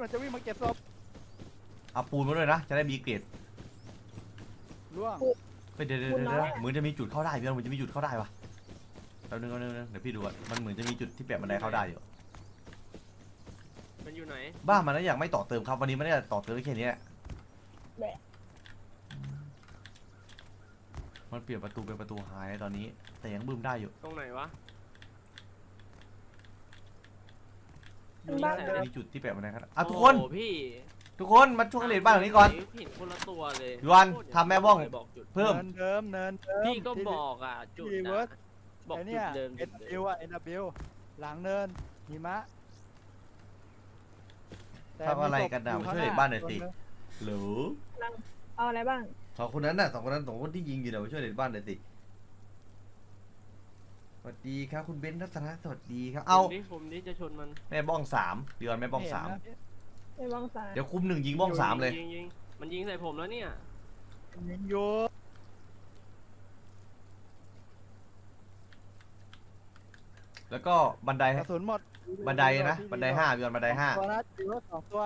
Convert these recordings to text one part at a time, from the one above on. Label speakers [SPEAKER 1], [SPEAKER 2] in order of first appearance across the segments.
[SPEAKER 1] มันจะวิ่งมาเก็บศพ
[SPEAKER 2] เอาปูนมาด้วยนะจะได้มีเกรด
[SPEAKER 1] ล่วง
[SPEAKER 2] เดี๋ยวเหมือนจะมีจุดเข้าได้พี่เหมือนจะมีจุดเข้าได้ปะแป๊บนึงเดี๋ยวพี่ดูอ่ะมันเหมือนจะมีจุดที่แปะบันไดเข้าได้อยู่
[SPEAKER 3] มันอยู่ไหน
[SPEAKER 2] บ้านมันนะอยากไม่ต่อเติมครับวันนี้ไม่ได้ต่อเติมแค่นี้มันเปลี่ยนประตูเป็นประตูหายตอนนี้แต่ยังบึ้มได้อยู่
[SPEAKER 3] ตรงไหนวะ
[SPEAKER 2] มีจุดที่แปะบันไดครับทุกคนทุกคนมาช่วยเลดบ้านหลังนี้ก่อน
[SPEAKER 3] เห็นคนละตัวเลย
[SPEAKER 2] ยวนทำแม่บ้องเพิ่ม
[SPEAKER 1] เนิน
[SPEAKER 3] พี่ก็บอกอ่ะจุด
[SPEAKER 1] บอกจุดเดิมNW อ่ะ NW หลังเนินหิมะ
[SPEAKER 2] ทำอะไรกันนะมาช่วยเลดบ้านหน่อยสิหรือ
[SPEAKER 4] เอาอะไรบ้าง
[SPEAKER 2] สองคนที่ยิงอยู่เดี๋ยวมาช่วยเลดบ้านหน่อยสิสวัสดีครับคุณเบนซ์รัตนะสวัสดีครับเอา
[SPEAKER 3] ผมนี่จะชนมัน
[SPEAKER 2] แม่บ้อง3เดือนแม่บ้อง3
[SPEAKER 4] แม่บ้อง3
[SPEAKER 2] เดี๋ยวคุม1ยิงบ้อง3เลย
[SPEAKER 3] มันยิงใส่ผมแล้วเนี่ย
[SPEAKER 1] ยิงอยู่
[SPEAKER 2] แล้วก็บันได
[SPEAKER 1] กระสุนหมด
[SPEAKER 2] บันไดนะบันได5เดือนบันได5
[SPEAKER 1] ตัวนะถือว่า2ตัว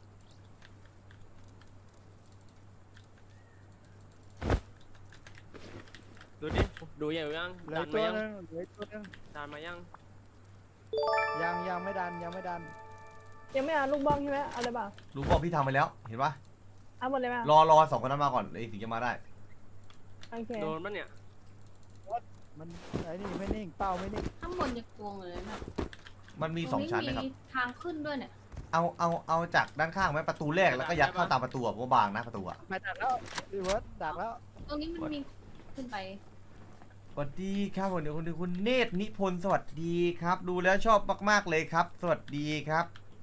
[SPEAKER 3] ดูดิดูยังยัง
[SPEAKER 1] ดันมายัง
[SPEAKER 3] ดันมายัง
[SPEAKER 1] ไม่ดัน
[SPEAKER 4] ยังไม่เอาลูกบ้องใช่ไหมเอาเลยเปล่า
[SPEAKER 2] ลูกบ้องพี่ทำไปแล้วเห็นปะ
[SPEAKER 4] เอาหมดเลยไหม
[SPEAKER 2] รอ2คนนั้นมาก่อนเลยถึงจะมาได้
[SPEAKER 4] โอเค
[SPEAKER 3] โดนมันเนี่ย
[SPEAKER 1] มันไอ้นี่ไม่นิ่งเป้าไม่นิ่ง
[SPEAKER 5] ข้างบนจะกวงเลยนะ
[SPEAKER 2] มันมี2ชั้นนะครับ
[SPEAKER 5] ทางขึ้นด้วยเนี่ย
[SPEAKER 2] เอาจากด้านข้างไหมประตูแรกแล้วก็ยัดเข้าตามประตูเพราะบางนะประตูอะ
[SPEAKER 1] ไม่ดักแล้วรีเวิร์สดักแล้ว
[SPEAKER 5] ตรงนี้มันมีขึ้นไป
[SPEAKER 2] สวัสดีครับวันนี้คุณเนตรนิพนธ์สวัสดีครับดูแล้วชอบมากๆเลยครับสวัสดีครับ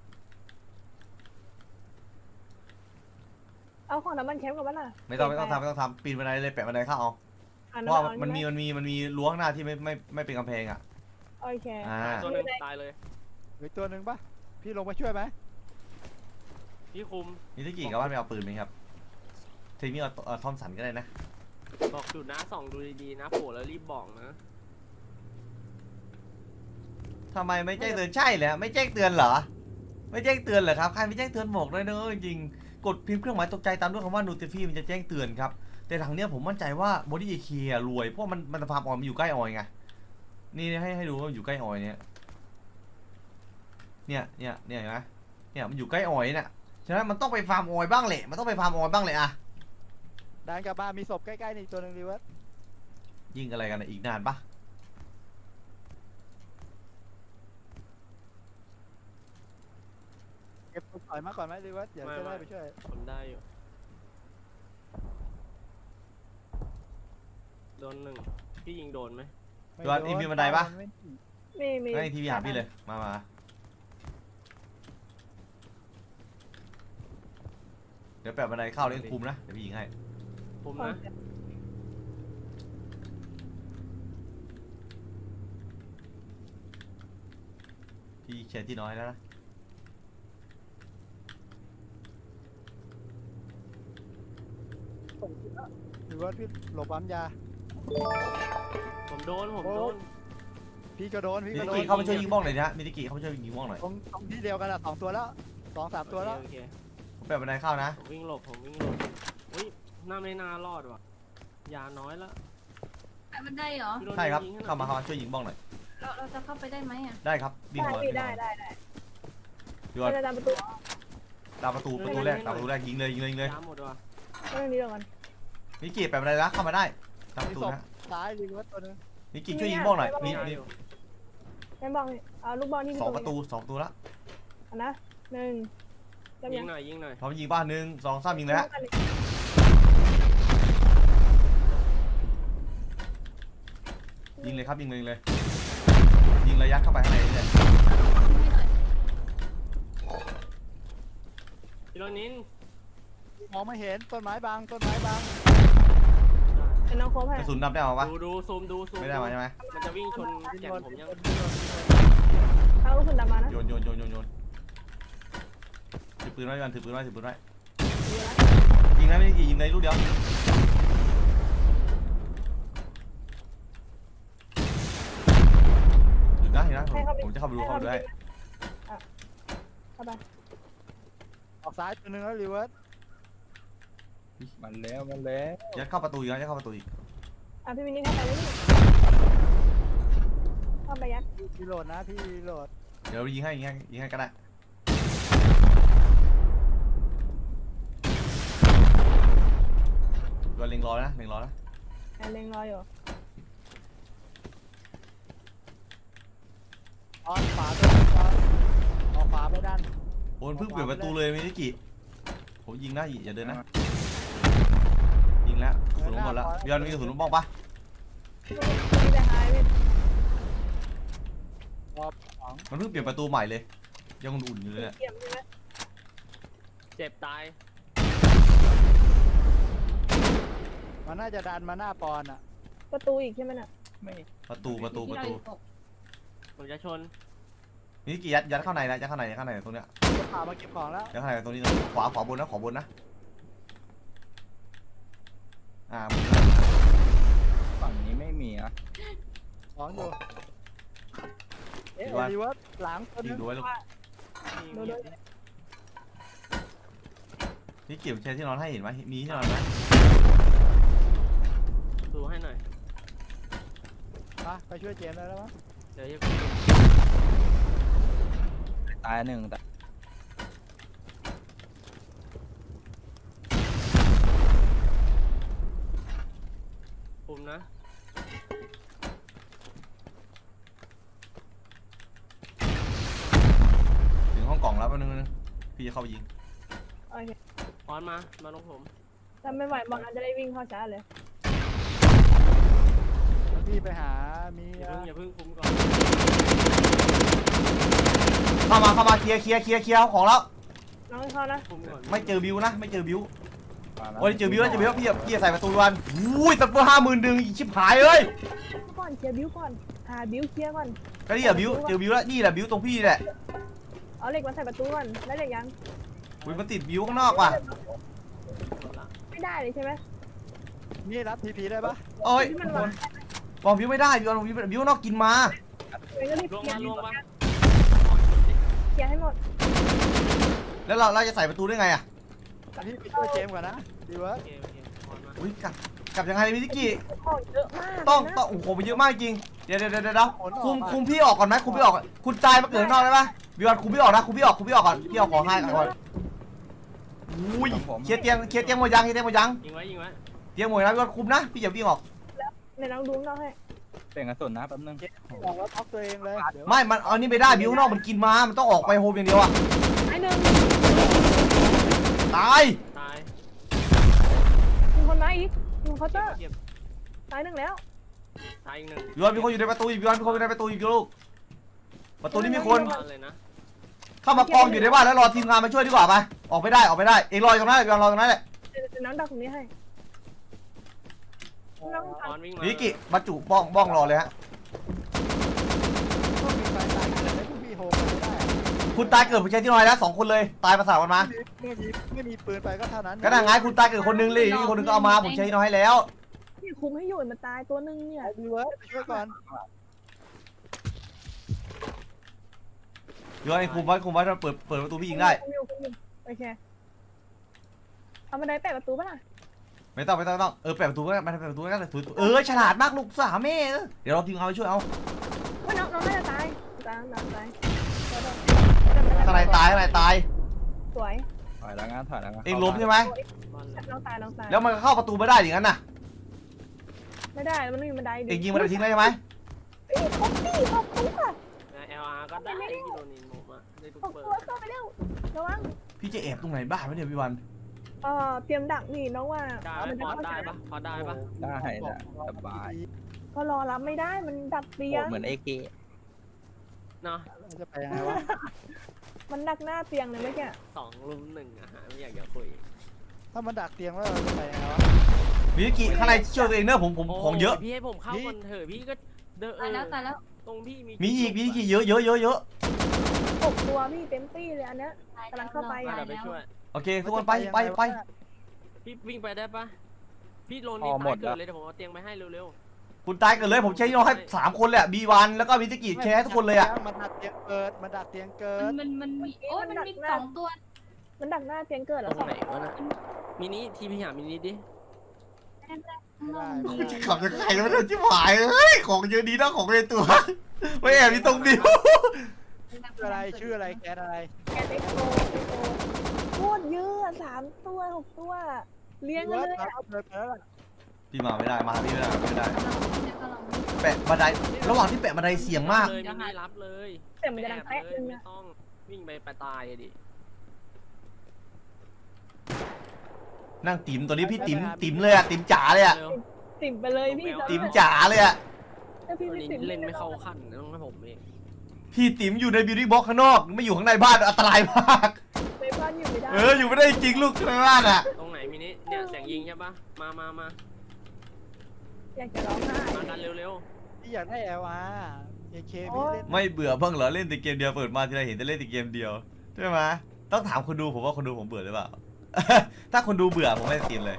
[SPEAKER 4] เอาของน้ำมันแคมป์กับมันล่ะ
[SPEAKER 2] ไม่ต้องทำปีนบันไดเลยแปะบันไดเข้าเอาเพราะมันมีรั้วข้างหน้าที่ไม่เป็นกำแพงอ่ะ
[SPEAKER 4] โอเค
[SPEAKER 3] ตัวนึงตายเลย
[SPEAKER 1] อีกตัวนึงปะพี่ลงมาช่วยไหม
[SPEAKER 3] พี่คุม
[SPEAKER 2] นี่ที่กี่กับบ้านไม่เอาปืนไหมครับทีนี้เอาทอมสันก็ได้นะ
[SPEAKER 3] บอกจุดนะส่องดูดีๆนะโผล่แล้วรีบบอกนะ
[SPEAKER 2] ทำไมไม่แจ้งเตือนใช่เลยไม่แจ้งเตือนเหรอไม่แจ้งเตือนเหรอครับใครไม่แจ้งเตือนบอกเลยเนอะจริงกดพิมพ์เครื่องหมายตกใจตามด้วยคำว่า notify มันจะแจ้งเตือนครับแต่หลังเนี้ยผมมั่นใจว่าบอดี้เอเครวยเพราะมันฟาร์มออยมันอยู่ใกล้ออยไงนี่ให้ดูว่าอยู่ใกล้ออยเนี่ยเห็นไหมเนี่ยมันอยู่ใกล้ออยเนี่ยฉะนั้นมันต้องไปฟาร์มออยบ้างแหละมันต้องไปฟาร์มออยบ้างเลยอะ
[SPEAKER 1] ดันกลับบ้านมีศพใกล้ๆนี่ตัวนึงรีเวิร์ส
[SPEAKER 2] ยิงอะไรกันอีกนานปะ
[SPEAKER 1] เก็บถอยมาก่อนไหมรีเวิร์สอย่าจะได้ไปช่วย
[SPEAKER 3] ผมได้อยู่โดนหนึ่งพี่ยิงโดนไหม
[SPEAKER 2] โดนมีบันไดปะ
[SPEAKER 4] มี
[SPEAKER 2] ให้ทีวีหาพี่เลยมาเดี๋ยวแปะบันไดเข้าเล่นคุมนะเดี๋ยวพี่ยิงให้
[SPEAKER 3] คุมนะ
[SPEAKER 2] พี่เชียร์ที่น้อยแล้วนะ
[SPEAKER 1] หรือว่าพี่หลบปั๊มยา
[SPEAKER 3] ผมโดน
[SPEAKER 1] พี่ก็โดน
[SPEAKER 2] มิติกิเข้ามาช่วยยิงบ้องหน่อยนะมิติกิเข้ามาช่วยยิงบ้องหน่อย
[SPEAKER 1] ตรงที่เดียวกันอะ2ตัวแล้ว2-3ตัวแล้ว
[SPEAKER 2] ผมแปะบันไดเข้านะ
[SPEAKER 3] ผมวิ่งหลบอุ้ยน่าไม่น่ารอดว่ะยาน้อยแล้ว
[SPEAKER 5] บันไดเหรอ
[SPEAKER 2] ใช่ครับเข้ามาช่วยยิงบ้องหน่อย
[SPEAKER 5] เราจะเข้าไปได้ไหมอ่ะ
[SPEAKER 2] ได้ครับวิ่งมา
[SPEAKER 4] ได้
[SPEAKER 2] ยอดตามประตูแรกยิงเลย
[SPEAKER 3] ยาหมดว่ะ
[SPEAKER 4] เรื่องนี้ก่อน
[SPEAKER 2] มิกิแปะบันไดแล้วเข้ามาได้ตามประตูนะ
[SPEAKER 1] ซ้ายรีเวิร์สตัวนึง
[SPEAKER 2] มิกิช่วยยิงบ้องหน่อยมี
[SPEAKER 4] แม่บ้องเอาลูกบอลที่
[SPEAKER 2] 2 ประตูแล้ว
[SPEAKER 4] นะ
[SPEAKER 3] ยิงหน่อย
[SPEAKER 2] พร้อมยิงบ้าน1 2 3ยิงเลยฮะยิงเลยครับยิงระยะเข้าไปข้างในเลย
[SPEAKER 3] พี่โรนิน
[SPEAKER 1] มองไม่เห็นต้นไม้บาง
[SPEAKER 4] เป็นน้องโค้ชให้
[SPEAKER 2] กระสุนดับได้หรอวะ
[SPEAKER 3] ดูซูม
[SPEAKER 2] ไม่ได้มาใช่ไหม
[SPEAKER 3] มันจะวิ่งชนแขนผมยัง
[SPEAKER 4] เอากระสุนดับมานะ
[SPEAKER 2] โยนถือปืนไว้กันถือปืนไว้ยิงนะไม่ได้ยิงในลูกเดียวเห็นนะผมจะเข้าไปดูเข้าไปด้วย
[SPEAKER 4] เข้าไป
[SPEAKER 1] ซ้ายตัวหนึงแล้วรีเวิร์ส
[SPEAKER 6] มันแล้ว
[SPEAKER 2] ยัดเข้าประตูอีกนะยัดเข้าประตูอีก
[SPEAKER 4] อ่ะพี่วินนี่เข้าไปเลยนี่เข้าไปยัด
[SPEAKER 1] พี่โหลดนะพี่โหลด
[SPEAKER 2] เดี๋ยวยิงให้ก็ได้ก็เล็งรอนะ
[SPEAKER 4] เล็งรออยู่
[SPEAKER 1] ออนขวาตัวนึงออนออกขวาไปด้าน
[SPEAKER 2] โอนเพิ่งเปิดประตูเลยมินิกิผมยิงนะอย่าเดินนะยิงแล้วกระสุนหมดแล้วย้อนมีกระสุนลูกบ้องปะ
[SPEAKER 4] พี่ไปหายพี่
[SPEAKER 1] รอบสอง
[SPEAKER 2] มันเพิ่งเปลี่ยนประตูใหม่เลยยังอุ่นอยู่เลยเนี่ย
[SPEAKER 4] เกี่ยมใช่ไหม
[SPEAKER 3] เจ็บตาย
[SPEAKER 1] มันน่าจะดันมาหน้าปอนอ่ะ
[SPEAKER 4] ประตูอีกใช่ไหมน่ะ
[SPEAKER 2] ประตู
[SPEAKER 5] ที่เราอยู่ตก
[SPEAKER 3] ผมจะชน
[SPEAKER 2] มินิกิยัดเข้าในนะยัดเข้าในตรงเนี้ย
[SPEAKER 1] พามาเก็บของแล้ว
[SPEAKER 2] ยัดเข้าในตรงนี้ขวาบนนะ
[SPEAKER 6] ฝั่งนี้ไม่มีอ่ะ
[SPEAKER 1] ของอยู่เอ๊ะรีเวิร์สหลังตัว
[SPEAKER 2] ยิ
[SPEAKER 1] นึ
[SPEAKER 2] ง
[SPEAKER 1] ง
[SPEAKER 2] ดูไว้ลูก
[SPEAKER 4] ดูดู
[SPEAKER 2] นี่เก็บแชร์ที่นอนให้เห็นไหมมีที่นอนไหม
[SPEAKER 3] ดูให้หน่อย
[SPEAKER 1] มาไปช่วยเจมส์ได้แล้วมั้ง
[SPEAKER 3] เดี๋ยวจะ
[SPEAKER 6] ตายหนึ่งแต่
[SPEAKER 3] คุมนะ
[SPEAKER 2] ถึงห้องกล่องแล้วแป๊บนึงพี่จะเข้าไปยิง
[SPEAKER 4] โอเค
[SPEAKER 3] ออนมาลงผม
[SPEAKER 4] ถ้าไม่ไหวบอลอาจจะได้วิ่งเข้าช้าเลย
[SPEAKER 1] แล้วพี่ไปหามี
[SPEAKER 3] อย่าเพิ่งคุมก่อน
[SPEAKER 2] เข้ามาเคลียร์เอาของแล้ว
[SPEAKER 4] น้องเข้านะ
[SPEAKER 3] คุมก่อน
[SPEAKER 2] ไม่เจอบิวนะไม่เจอบิว
[SPEAKER 6] มาแล้ว
[SPEAKER 2] โอ้ยเจอบิวแล้วพี่ใส่ประตูวันอุ้ยตัดเบอร์50,000ดึงชิบหายเลย
[SPEAKER 4] ก่อนเคลียร์บิ้วก่อนหาบิ้วเคลียร์ก่อน
[SPEAKER 2] ก็นี่อะบิวเจอบิวแล้วนี่แหละบิวตรงพี่แหละ
[SPEAKER 4] เอาเหล็กมาใส่ประตูก่อนได้เหล็กยัง
[SPEAKER 2] อุ้ยมันติดบิวข้างนอกว่ะ
[SPEAKER 3] หมดละ
[SPEAKER 4] ไม่ได้เลยใช่ไหม
[SPEAKER 1] นี่รับทีพีได้ปะ
[SPEAKER 2] โอ้ย
[SPEAKER 4] ที่มันวาง
[SPEAKER 2] บอกบิวไม่ได้บิวนอกกินมา
[SPEAKER 4] เลยก็รีบ
[SPEAKER 3] ลง
[SPEAKER 4] เคลีย
[SPEAKER 3] มา
[SPEAKER 4] ร์
[SPEAKER 3] ลงมา
[SPEAKER 4] เคลียร์ให้หมด
[SPEAKER 2] แล้วเราจะใส่ประตูได้ไงอะ
[SPEAKER 1] พี่ไปช่วยเจมส์ก่อนนะรีเวิร์ส
[SPEAKER 3] โอเคออนมา
[SPEAKER 2] อุ้ยกลับยังไงมินิกี้
[SPEAKER 4] ของเยอะมาก
[SPEAKER 2] ต้อง
[SPEAKER 4] นะ
[SPEAKER 2] โอ้โหมันเยอะมากจริงเดี๋ยวคุมพี่ออกก่อนไหมคุมพี่ออกคุณตายมาเกิดข้างนอกได้ปะบิวคุมพี่ออกนะคุมพี่ออกก่อนพี่เอาของให้ก่อนอุ้ยเคลียร์เตียงหมดยัง
[SPEAKER 3] ยิงไว้
[SPEAKER 2] เตียงหมดนะบิวคุมนะพี่อย่าวิ่งออก
[SPEAKER 4] ในน้องดูน้องให้
[SPEAKER 6] เปลี่ยนกระสุนนะแป๊บนึง
[SPEAKER 1] ออกแล้วท็อกตัวเองเลยเดี๋ยว
[SPEAKER 2] ไม่มันเอานี่ไม่ได้บิวข้างนอกมันกินมามันต้องออกไปโฮมอย่างเดียวอะ
[SPEAKER 4] ไอ้หนึ่ง
[SPEAKER 2] ตาย
[SPEAKER 3] ตาย
[SPEAKER 4] มีคนมาอีกอยู่เคาน์เตอร์
[SPEAKER 3] เก็บ
[SPEAKER 4] ตายหนึ่งแล้ว
[SPEAKER 3] ตายอีกหนึ่ง
[SPEAKER 2] บิวมีคนอยู่ในประตูอีกบิวมีคนอยู่ในประตูอีกลูกประตูนี้มีคน
[SPEAKER 3] มาเลยนะ
[SPEAKER 2] เข้ามากองอยู่ในบ้านแล้วรอทีมงานมาช่วยดีกว่าไปออกไม่ได้เองรออยู่ตรงนั้นบิวรอตรงนั้นแหละ
[SPEAKER 4] เดี๋ยวน้องดักตรงนี้ให้น้อง
[SPEAKER 3] ออนวิ่งมา
[SPEAKER 2] มิกิบรรจุบ้องรอเลยฮะ
[SPEAKER 1] พวกมีไฟตายเกิดให้พวกพี่โฮมไม่ได้
[SPEAKER 2] คุณตายเกิดผู้ชายที่น้อยแล้ว2 คนเลยตายประสาทกันมา
[SPEAKER 1] ไม่มีปืนไปก็เท่านั้น
[SPEAKER 2] ก็นั่งไงคุณตายเกิดคนนึงเลยอีกคนนึงก็เอามาผมใช้น้อยให้แล้ว
[SPEAKER 4] พี่คุมให้อยู่มันตายตัวหนึ่งเนี่ย
[SPEAKER 1] รีเวิร์สไปช่วยก่อน
[SPEAKER 2] เดี๋ยวไอ้คุมไว้ถ้าเปิดประตูพี่ยิงได้
[SPEAKER 4] คุมอยู่โอเคเอาบันไดแปะประตูป่ะล่ะ
[SPEAKER 2] ไม่ต้องเแปะประตูก็ได้เปิดประตูก็ได้ฉลาดมากลูกสาวแม่เดี๋ยวเราทีมงานไปช่วยเอา
[SPEAKER 4] ว่าน้องน่าจะตายตาย
[SPEAKER 2] ข้างในตาย
[SPEAKER 4] สวย
[SPEAKER 6] ถอยแล้วงั้นถอยแล้วงั้น
[SPEAKER 2] เองล้มใช่ไหม
[SPEAKER 3] บอล
[SPEAKER 4] น้องตาย
[SPEAKER 2] แล้วมันก็เข้าประตูไม่ได้อย่างนั้นน่ะ
[SPEAKER 4] ไม่ได้มันไม่มีบันได
[SPEAKER 2] เองยิงมันไปทิ้งได้ใช่ไหม
[SPEAKER 4] ขอบคุณค่ะ
[SPEAKER 3] LR ก็ได้ที่โดนนินโมมาได้ทุก
[SPEAKER 4] ขอบ
[SPEAKER 3] เบอ
[SPEAKER 4] คุณ
[SPEAKER 3] ร์
[SPEAKER 4] เข้าไปเร็วระวัง
[SPEAKER 2] พี่จะแอบตรงไหนบ้างไม่เดี๋ยวพี่วัน
[SPEAKER 4] เตรียมดักนี่น้องว่า
[SPEAKER 3] ได้ไหมพอได้ปะพอได้ปะ
[SPEAKER 6] ได้นะสบาย
[SPEAKER 4] ก็รอรับไม่ได้มันดักเตียง
[SPEAKER 6] เหมือนเอเก
[SPEAKER 3] เนาะ
[SPEAKER 1] จะไปยังไงวะ
[SPEAKER 4] มันดักหน้าเตียงเลยเมื่อกี้
[SPEAKER 3] 2-1อะฮะไม่อยากจะคุย
[SPEAKER 1] ถ้ามันดักเตียงแล้วเราจะไปยังไงวะ
[SPEAKER 2] มิกิข้างในช่วยตัวเองเนอะผมของเยอะ
[SPEAKER 3] พี่ให้ผมเข้าก่อนเถอะพี่ก็เดิน
[SPEAKER 5] ตายแล้ว
[SPEAKER 3] ตรงพี่
[SPEAKER 2] มีอีกเยอะ
[SPEAKER 4] 6 ตัวพี่เต็มตี้เลยอันเนี้ย กำลังเข้าไป
[SPEAKER 3] เดี๋ยวไปช่วย
[SPEAKER 2] โอเคทุกคนไป
[SPEAKER 3] พี่วิ่งไปได้ปะพี่โรนนี่ตายเกิดเลยเดี๋ยวผมเอาเตียงไปให้เร็ว
[SPEAKER 2] คุณตายกันเลยผมใช้น้องให้3 คนเลยอะB1แล้วก็มิสกิแชร์ทุกคนเลยอะ
[SPEAKER 1] มันดักเตียงเกิดมันดักเตียงเกิด
[SPEAKER 5] มันมีโอ้ยมันมี2 ตัว
[SPEAKER 4] มันดักหน้าเตียงเกิด
[SPEAKER 3] ต
[SPEAKER 4] แล้
[SPEAKER 3] ร
[SPEAKER 4] ว
[SPEAKER 3] ง
[SPEAKER 4] สอง
[SPEAKER 3] ไหนวะน่ะมินิทีพีหามินิดิ
[SPEAKER 5] ข้างนอกมันมี
[SPEAKER 2] ขับจะใครแล้วมันจะหายเฮ้ยของเยอะดีนะของในตัวไม่แอบมีตรงบิว
[SPEAKER 1] ชื่ออะไรชื่ออะไรแกนอะไร
[SPEAKER 4] แกเต็กโตโคตรเยอะ3 ตัว 6 ตัว เลี้ยงกันเลย
[SPEAKER 1] เอาเลยไปแล้วล่ะ
[SPEAKER 2] พี่มาไม่ได้มาพี่ไม่ได้ไม่ได้
[SPEAKER 5] กำลังเนี่ยกำลัง
[SPEAKER 2] แปะบันไดระหว่างที่แปะบันไดเสี่ยงมาก
[SPEAKER 3] เลยมินิรับเลย
[SPEAKER 4] แต่มันจะดัง
[SPEAKER 3] แอบ
[SPEAKER 4] แป๊ะ
[SPEAKER 3] เลย
[SPEAKER 4] นึง
[SPEAKER 3] ไม่
[SPEAKER 4] อะ
[SPEAKER 3] ต้องวิ่งไปตายดิ
[SPEAKER 2] นั่งติ๋มตัวนี้พี่ติ๋มเลยอะติ๋มจ๋าเลยอะ
[SPEAKER 3] เร็ว
[SPEAKER 4] ติ่มไปเลยพี่
[SPEAKER 2] ติ๋มจ๋าเลยอะ
[SPEAKER 4] ถ้าพี่
[SPEAKER 3] วัน
[SPEAKER 4] ไม่
[SPEAKER 3] นี้
[SPEAKER 4] ติ่ม
[SPEAKER 3] เล่นไม่เข้าขั้นต้องให้ผมเอง
[SPEAKER 2] พี่ติ๋มอยู่ในบิวตี้บ็อกซ์ข้างนอกไม่อยู่ข้างในบ้านอันตรายมาก
[SPEAKER 4] ในบ้านอยู่ไม่ได้
[SPEAKER 2] อยู่ไม่ได้จริงลูกข้างล่างอะ
[SPEAKER 3] ตรงไหนมินิเนี่ยเสียงยิงใช่ปะมา
[SPEAKER 4] อยากจะร้องไห้
[SPEAKER 3] มากันเร็ว
[SPEAKER 1] พี่อยากได้ LR AK
[SPEAKER 4] โอ๊
[SPEAKER 1] พี่
[SPEAKER 4] ย
[SPEAKER 1] เล่น
[SPEAKER 2] ไม่เบื่อบ้างเหรอเล่นแต่เกมเดียวเปิดมาทีไรเห็นแต่เล่นแต่เกมเดียวใช่ไหมต้องถามคนดูผมว่าคนดูผมเบื่อหรือเปล่า ถ้าคนดูเบื่อผมไม่สตรีมเลย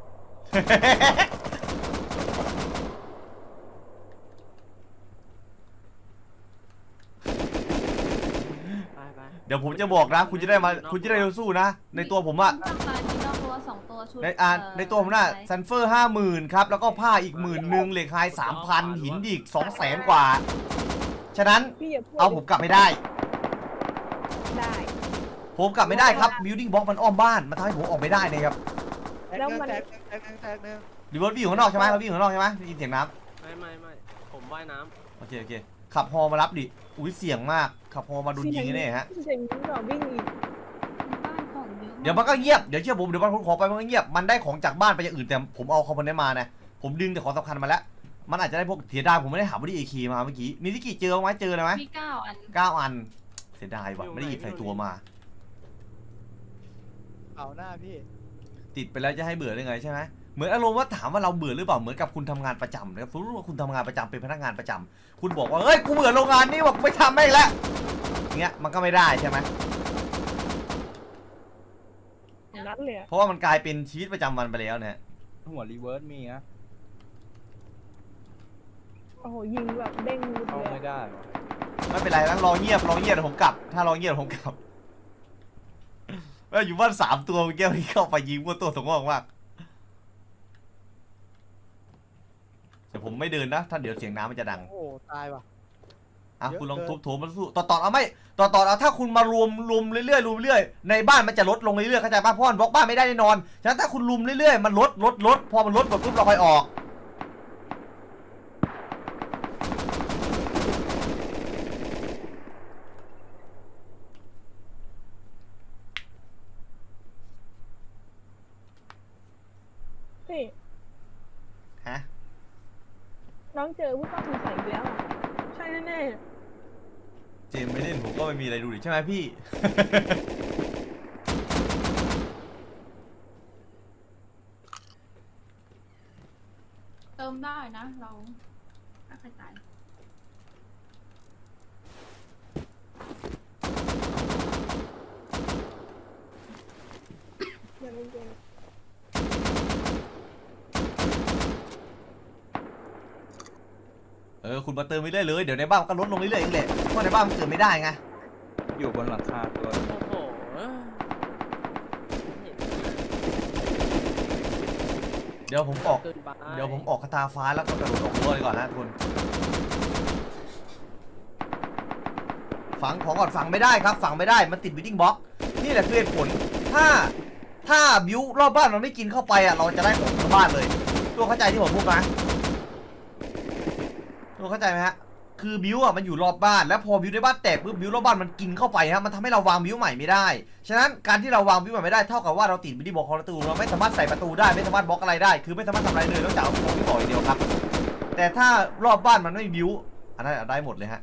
[SPEAKER 3] ๆไป
[SPEAKER 2] เดี๋ยวผมจะบอกนะคุณจะได้มาคุณจะได้สู้นะในตัวผมอะ
[SPEAKER 5] นอกลายมีนอกตัว2 ตัวชุด
[SPEAKER 2] ในตัวผมน่ะซันเฟอร์50,000ครับแล้วก็ผ้าอีก10,000เหล็กไฮ3,000หินอีก200,000 กว่า ฉะนั้น
[SPEAKER 4] พี่อย่าพูด
[SPEAKER 2] เอาผมกลับไม่ได้
[SPEAKER 4] ได้
[SPEAKER 2] ผมกลับไม่ได้ครับ building block มันอ้อมบ้านมันทำให้ผมออกไม่ได้นะครับ
[SPEAKER 1] แตกหนึ่งแตกหนึ่ง
[SPEAKER 2] รีเวิร์สวิ่งอยู่ข้างนอกใช่ไหมเราวิ่งอยู่ข้างนอกใช่ไหมได้ยินเสียงน้
[SPEAKER 3] ไม่ผมว่ายน้
[SPEAKER 2] ำโอเคขับฮอมารับดิอุ้ยเสียงมากขับฮอมาโดนยิงแน่ๆฮะ
[SPEAKER 4] เสียงนี้เหรอวิ่งอีก
[SPEAKER 5] บ้านของเยอะ
[SPEAKER 2] เดี๋ยวมันก็เงียบเดี๋ยวเชื่อผมเดี๋ยวมันขอไปมันก็เงียบมันได้ของจากบ้านไปอย่างอื่นแต่ผมเอาคอมโพเนนต์มานะผมดึงแต่ของสำคัญมาแล้วมันอาจจะได้พวกเสียดายผมไม่ได้หาบอดี้เอคีมาเมื่อกี้มีที่กี่เจอไหมเจอเลยไหม
[SPEAKER 5] มี9 อัน
[SPEAKER 2] 9 อันเสียดายว่ะไม่ได้หยิบใส่ตัวมา
[SPEAKER 1] เอาหน้าพี่
[SPEAKER 2] ติดไปแล้วจะให้เบื่อได้ไงใช่ไหมเหมือนอารมณ์ว่าถามว่าเราเบื่อหรือเปล่าเหมือนกับคุณทำงานประจำนะครับสมมติว่าคุณทำงานประจำเป็นพนักงานประจำคุณบอกว่าเฮ้ยกูเบื่อโรงงานนี้บอกไม่ทำไม่งแล้วเงี้ยมันก็ไม่ได้ใช่ไหม
[SPEAKER 4] อย่างนั้นเลยอะ
[SPEAKER 2] เพราะว่ามันกลายเป็นชีวิตประจำวันไปแล้วเนี่ย
[SPEAKER 6] หัวรีเวิร์สมีนะ
[SPEAKER 4] โอ้โหยิงแบบเด้งรุด
[SPEAKER 6] เข้า
[SPEAKER 4] เลย
[SPEAKER 6] ไม่
[SPEAKER 4] อะ
[SPEAKER 6] ได้
[SPEAKER 2] ไม่เป็นไรนะรอเงียบเดี๋ยวผมกลับ ถ้ารอเงียบเดี๋ยวผมกลับอยู่บ้าน3 ตัวเมื่อกี้มันเข้าไปยิงมั่วตัวสงอกมากแต่ผมไม่เดินนะถ้าเดี๋ยวเสียงน้ำมันจะดัง
[SPEAKER 1] โอ้ตายว่ะ
[SPEAKER 2] อ่ะ
[SPEAKER 1] เยอะ
[SPEAKER 2] คุณลอง
[SPEAKER 1] เกิน
[SPEAKER 2] ทุบโถมันสู้ต่อเอาไม่ต่อเอาถ้าคุณมารวมเรื่อยๆในบ้านมันจะลดลงเรื่อยๆเข้าใจป่ะเพราะมันบล็อกบ้านไม่ได้แน่นอนฉะนั้นถ้าคุณลุมเรื่อยๆมันลดพอมันลดหมดปุ๊บเราค่อยออก
[SPEAKER 4] พี่
[SPEAKER 2] ฮะ
[SPEAKER 4] น้องเจอผู้ต้องสงสัยอีกแล้วอะใช่แน่
[SPEAKER 2] เจมไม่เล่นผมก็ไม่มีอะไรดูดิใช่ไหมพี่
[SPEAKER 5] เติมได้นะเราถ้าใครตาย
[SPEAKER 4] ๆอย่าเล่นเกม
[SPEAKER 2] คุณมาเติมไปเรื่อยเลยเดี๋ยวในบ้านมันก็ลดลงเรื่อยๆเองแหละเพราะในบ้านมันเติมไม่ได้ไง
[SPEAKER 6] อยู่บนหลังคาตัว
[SPEAKER 3] ำโอ้โห
[SPEAKER 2] เดี๋ยวผมออก
[SPEAKER 3] เกินไป
[SPEAKER 2] เดี๋ยวผมออกคาถาฟ้าแล้วก็กระโดดออกรั้วเลยก่อนนะทุกคนฝังของก่อนฝังไม่ได้ครับฝังไม่ได้มันติดบิลดิ้งบล็อกนี่แหละคือเหตุผลถ้าบิวรอบบ้านมันไม่กินเข้าไปอ่ะเราจะได้ของทั้งบ้านเลยตัวเข้าใจที่ผมพูดไหมตัวเข้าใจไหมฮะคือบิวอ่ะมันอยู่รอบบ้านแล้วพอบิวในบ้านแตกปุ๊บบิวรอบบ้านมันกินเข้าไปฮะมันทำให้เราวางบิวใหม่ไม่ได้ฉะนั้นการที่เราวางบิวใหม่ไม่ได้เท่ากับว่าเราติดบิลดิ้งบล็อกของประตูเราไม่สามารถใส่ประตูได้ไม่สามารถบล็อกอะไรได้คือไม่สามารถทำอะไรเลยนอกจากเอาของที่ต่ออย่างเดียวครับแต่ถ้ารอบบ้านมันไม่บิวอันนั้นได้หมดเลยฮะ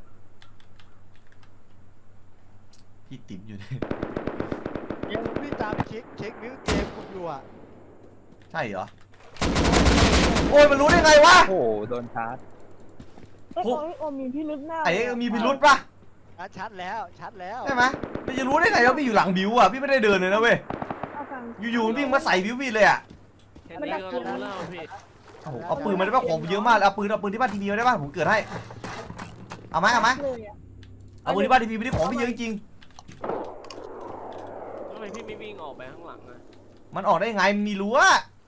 [SPEAKER 2] พี่ติ๋มอยู่เนี่ย
[SPEAKER 1] ยังพี่ตามเช็ควิวเกมคุณอยู่อ่ะ
[SPEAKER 2] ใช่เหรอโอ้ยมันรู้ได้ไงวะ
[SPEAKER 6] โอ้โหโดนชาร์จ
[SPEAKER 4] โอ้ยโอ้มีพี่ลึกหน้า
[SPEAKER 2] ไอ้
[SPEAKER 4] เลยอะ
[SPEAKER 2] มีพิรุษปะ
[SPEAKER 1] ชัดแล้ว
[SPEAKER 2] ใช่ไหมพี่จะรู้ได้ไงว่าพี่อยู่หลังบิวอ่ะพี่ไม่ได้เดินเลยนะเว้ย
[SPEAKER 4] เอาฟัง
[SPEAKER 2] อยู่ๆมันวิ่งมาใส่บิวพี่เลยอ่ะ
[SPEAKER 3] แค่นี้ก็รู้แล้วพี่
[SPEAKER 2] โอ้โหเอาปืนมาได้ป่ะของเยอะมากเอาปืนที่บ้านทีวีมาได้ป่ะผมเกิดให้เอาไหม
[SPEAKER 4] เลยอะ
[SPEAKER 2] เอาปืนที่บ้านทีวีไม่ได้ของพี่เยอะจริง
[SPEAKER 3] ทำไมมพี่ไม่วิ่งออกไปข้างหลังอะ
[SPEAKER 2] มันออกได้ยังไงมันมีรั้ว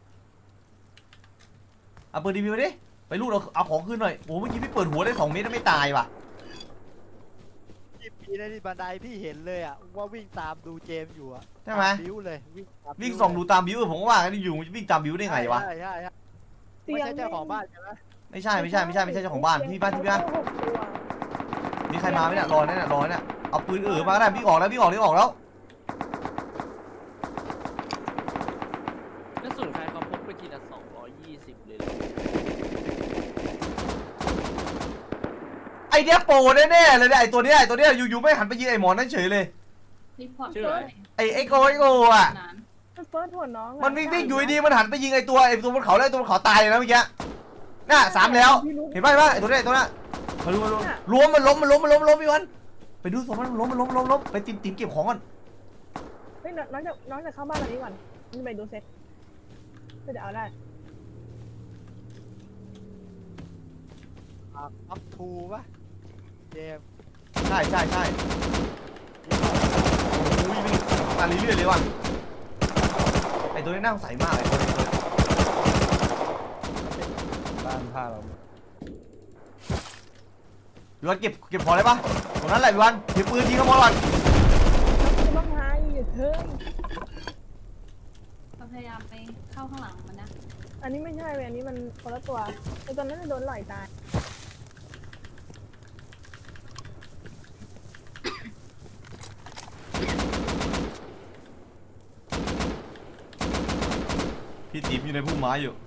[SPEAKER 2] เอาปืนดีพีมาดิไปลูดเอาของขึ้นหน่อยโอ้เมื่อกี้พี่เปิดหัวได้2 เมตรแล้วไม่ตายว่ะ
[SPEAKER 1] พี่ปีในที่บันไดพี่เห็นเลยอ่ะว่าวิ่งตามดูเจมส์อยู่อ่ะ
[SPEAKER 2] ใช่ไหม
[SPEAKER 1] บิ้วเลยวิ่งตาม
[SPEAKER 2] วิ่งส่องดูตามบิวผมก็ว่ากันอยู่วิ่งตามบิวได้ไงวะ
[SPEAKER 1] ใช่ใช่ใช่
[SPEAKER 4] เตี
[SPEAKER 1] ไม่
[SPEAKER 4] ยง
[SPEAKER 1] ใช่เจ้าของบ้านใช่ไหม
[SPEAKER 2] ไม่ใช่เจ้าของบ้านพี่บ้าน
[SPEAKER 4] 6 ตัว
[SPEAKER 2] มีใครมาไหมเนี่ยรอเนี่ยเอาปืนมาก็ได้วิ่งออกแล้ว
[SPEAKER 3] กระสุนใครเขาพกไปทีละ220เลยเหรอ
[SPEAKER 2] ไอเนี้ยโปรแน่ๆเลยเนี่ยไอตัวเนี้ยอยู่ๆไม่หันไปยิงไอหมอนั่นเฉยเลย
[SPEAKER 5] รีพอร์ต
[SPEAKER 3] ชื่ออะไร
[SPEAKER 2] ไอโกอ่ะ
[SPEAKER 5] นาน
[SPEAKER 4] มันเฟิร์สหัวน้องอะ
[SPEAKER 2] มันวิ่งอยู่ดีมันหันไปยิงไอตัวบนเขาแล้วไอตัวบนเขาตายเลยนะเมื่อกี้น่ะ3แล้วเห็นป่ะไอตัวนี้มาดูล้มมันล้มพี่วันไปดูศพมันล้มไปtìmเก็บของก่อน
[SPEAKER 4] เฮ้ยน้องจะเข้าบ้านหลังนี้ก่อนนี่ไปดูเซ็ตก็จะเอาได้
[SPEAKER 1] อัพทูป่ะเจมส์
[SPEAKER 2] ใช่โอ้ยวิ่งมาเรื่อยๆเลยว่ะไอตัวนี้น่าสงสัยมากไอตัวนี้
[SPEAKER 6] บ้านผ้าเรา
[SPEAKER 2] พี่วันเก็บของได้ปะตรงนั้นแหละพี่วันถือปืนยิงเขาหมดก่อน
[SPEAKER 4] คุณต้องหาอยู่เถิง
[SPEAKER 5] เราพยายามไปเข้าข้างหลังมันนะ
[SPEAKER 4] อันนี้ไม่ใช่เว้ยอันนี้มันคนละตัวไอตอนนั้นจะโดนหล่อยตาย
[SPEAKER 2] พี่ติ๋มอยู่ในพุ่มไม้อยู่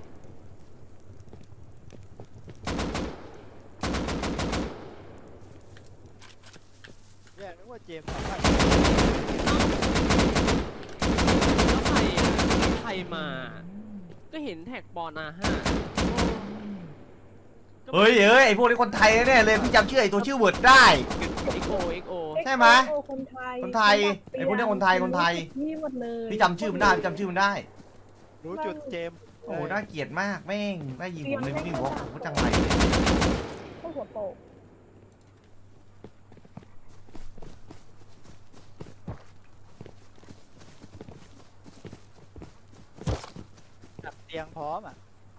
[SPEAKER 1] เนี่ยนึกว่าเจมส์ทำได้
[SPEAKER 3] แล้วใครมา ก็เห็นแท็กบอลA5
[SPEAKER 2] เฮ้ยไอพวกนี้คนไทยแน่เลยพี่จำชื่อไอตัวชื่อเวิร์ดได้
[SPEAKER 3] XO
[SPEAKER 2] ใช่ไหม
[SPEAKER 4] โอ้คนไทย
[SPEAKER 2] คนไทยไอ้พวกเนี้ยคนไทย
[SPEAKER 4] นี่หมดเลย
[SPEAKER 2] พี่จำชื่อมันได้
[SPEAKER 1] รู้จุดเจมส์
[SPEAKER 2] โอ้น่าเกลียดมากแม่งน่ายิงผมเลยวิ่งบอกผมก็จังไร
[SPEAKER 4] พวกหัวโปก
[SPEAKER 1] จับเตียงพร้อมอ่ะ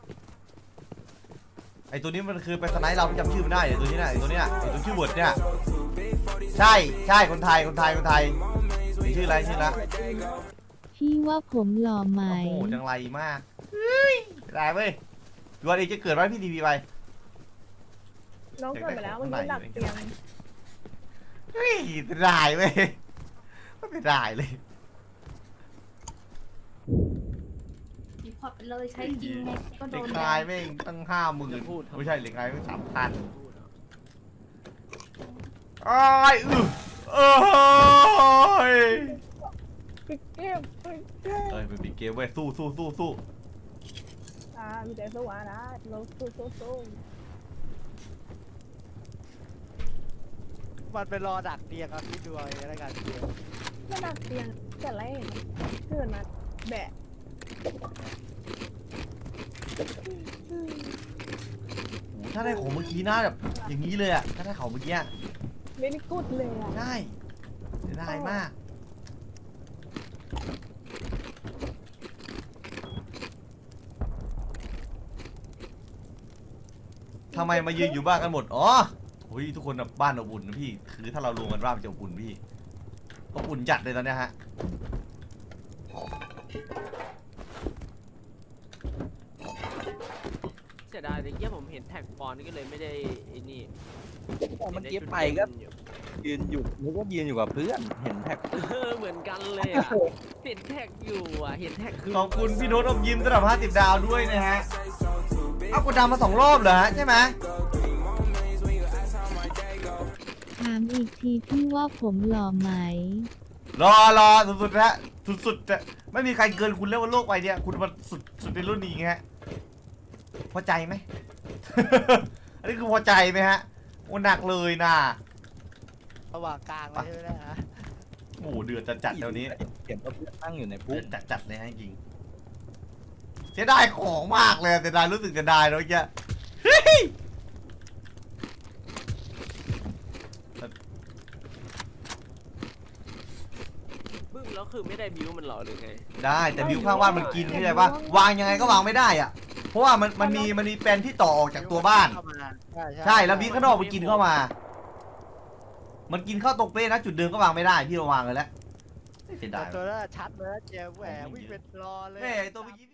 [SPEAKER 2] ไอตัวนี้มันคือเป็นสไนป์เราพี่จำชื่อมันได้ไอตัวนี้น่ะไอตัวชื่อเวิร์ดเนี่ยใช่คนไทยนี่ชื่ออะไรละ
[SPEAKER 7] พี่ว่าผมหล่อไหม
[SPEAKER 2] โอ้โหจังไรมากเฮ้ยได้เว้ยดูว่าเองจะเกิดไว้พี่ทีวีไป
[SPEAKER 4] น้องเกิดไปแล้วเมื่อกี้ดักเตียง
[SPEAKER 2] เฮ้ยได้เว้ยไม่ได้เลย
[SPEAKER 5] รีพอร์ตไปเลยใช้จริงไงก็โด
[SPEAKER 2] เหล็ก
[SPEAKER 5] น
[SPEAKER 2] คลายแม่งตั้ง50,000ไม่ใช่เหล็กคลายแม่ง3,000อ้ายเอ้ย
[SPEAKER 4] ปิดเกมปิดเกม
[SPEAKER 2] เป็นปิดเกมเว้ยสู้
[SPEAKER 4] มีแต่สวานะเราสู้
[SPEAKER 1] มันไปรอดักเตียงครับพี่ดูเอาเองแล้วกันเจมส์
[SPEAKER 4] ไม่ดักเตียงแต่แรกเกิดมาแบะ
[SPEAKER 2] ถ้าได้ของเมื่อกี้น่าแบบอย่างนี้เลยอะถ้าได้ของเมื่อกี้
[SPEAKER 4] เล่นกุดเลยอ่ะ
[SPEAKER 2] ได้มากทำไมมายืนอยู่บ้านกันหมดอ๋อโอ้ยทุกคนแบบบ้านอบอุ่นนะพี่คือถ้าเรารวมกันบ้านมันจะอบอุ่นพี่อบอุ่นจัดเลยตอนเนี้ยฮะ
[SPEAKER 3] เสียดายแต่เยี่ยผมเห็นแท็กบอลนี่ก็เลยไม่ได้ไอ้นี่
[SPEAKER 6] เมื่อกี้ไปก็ยืนอยู่นึกว่ายืนอยู่กับเพื่อนเห็นแท็ก
[SPEAKER 3] เหมือนกันเลยอ่ะเห็นแท็กอยู่อ่ะเห็นแท็กคือ
[SPEAKER 2] ขอบคุณพี่โน้ตอมยิ้มสำหรับ50 ดาวด้วยนะฮะเอากูดาวมา2 รอบเหรอฮะใช่ไหม
[SPEAKER 7] ถามอีกทีพี่ว่าผมหล่อไหม
[SPEAKER 2] รอสุดๆนะสุดๆจะไม่มีใครเกินคุณแล้วบนโลกใบเนี้ยคุณมันสุดในรุ่นนี้ฮะพอใจไหม อันนี้คือพอใจไหมฮะโอ้หนักเลยนะ
[SPEAKER 1] ระหว่างกลางเลยใช่ไหมนะ
[SPEAKER 2] โอ้เดือดจัดๆเดี๋ยวนี้
[SPEAKER 6] เห็นว่าเพื่อนนั่งอยู่ใน
[SPEAKER 2] เดื
[SPEAKER 6] พุ่
[SPEAKER 2] อ
[SPEAKER 6] ม
[SPEAKER 2] ดจัดๆเลยฮะจริงเสียดายของมากเลยเสียดายรู้สึกเสียดายเนาะแกเฮ้ย
[SPEAKER 3] บึ้มแล้วแล้วคือไม่ได้บิวมันเหรอหรือไง
[SPEAKER 2] ได้แต่บิวข้างบ้านมันกินเข้าใจปะวางยังไงก็วางไม่ได้อะเพราะว่ามันมีแปลนที่ต่อออกจากตัวบ้าน
[SPEAKER 1] เข้ามา
[SPEAKER 2] ใช่แล้วบิวข้างนอกมันกินเข้ามา มันกินเข้าตรงเป๊ะนะจุดเดิมก็วางไม่ได้พี่มาวางเลยแล้วเสียดาย
[SPEAKER 1] ตัวนั้นชัดเลยนะเจมแหววิ่งเป็นรอเลย
[SPEAKER 2] แม่ตัวเมื่อกี้